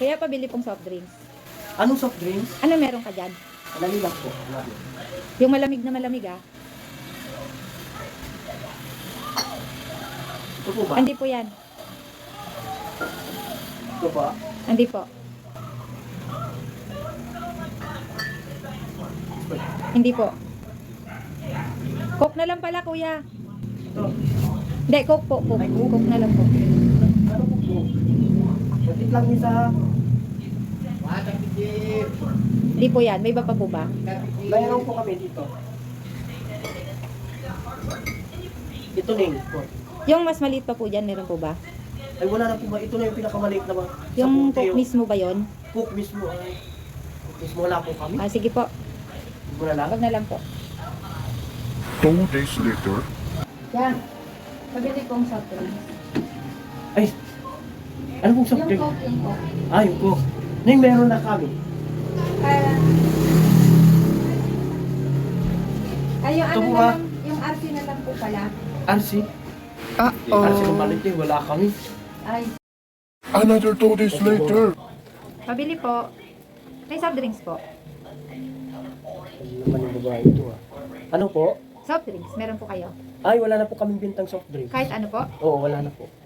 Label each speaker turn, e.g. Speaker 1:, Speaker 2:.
Speaker 1: Kaya pabili pong soft drinks.
Speaker 2: Anong soft drinks?
Speaker 1: Ano meron ka dyan?
Speaker 2: Alali lang po. Alali.
Speaker 1: Yung malamig na malamig ah.
Speaker 2: Ito po ba?
Speaker 1: Hindi po yan.
Speaker 2: Ito ba?
Speaker 1: Hindi po. Hindi po. Coke na lang pala kuya.
Speaker 2: Ito.
Speaker 1: Hindi, Coke po. Coke,
Speaker 2: Ay, Coke?
Speaker 1: Coke na lang po.
Speaker 2: Ano po po? Batit lang isa.
Speaker 1: Hindi po yan. May iba pa po ba?
Speaker 2: Mayroon po kami dito. Ito Ning.
Speaker 1: Yung mas maliit pa po dyan, meron po ba?
Speaker 2: Ay wala na po ba? Ito na yung pinakamaliit na ba?
Speaker 1: Yung
Speaker 2: Sa puti,
Speaker 1: Coke mismo ba yon?
Speaker 2: Coke mismo. Ay. Coke mismo wala po kami.
Speaker 1: Ah, sige po.
Speaker 2: Wala lang.
Speaker 1: Wag na lang po.
Speaker 3: 2 days later.
Speaker 1: Yan. Pabili pong soft drinks.
Speaker 2: Ay. Ano pong soft drink?
Speaker 1: yung Coke.
Speaker 2: Ah, yung Coke. Ning meron na kami.
Speaker 1: Ay, yung
Speaker 2: Ito
Speaker 1: ano
Speaker 2: po,
Speaker 1: na
Speaker 2: ah.
Speaker 1: lang, yung RC na lang po pala.
Speaker 2: RC. RC kung malit eh. Wala kami.
Speaker 1: Ay,
Speaker 3: Another 2 days later.
Speaker 1: pabili po. May soft drinks po.
Speaker 2: Ano naman yung babae ito ah. Ano po?
Speaker 1: Soft drinks, meron po kayo.
Speaker 2: Ay, wala na po kaming bintang soft drink.
Speaker 1: Kahit ano po.
Speaker 2: Oo, wala na po.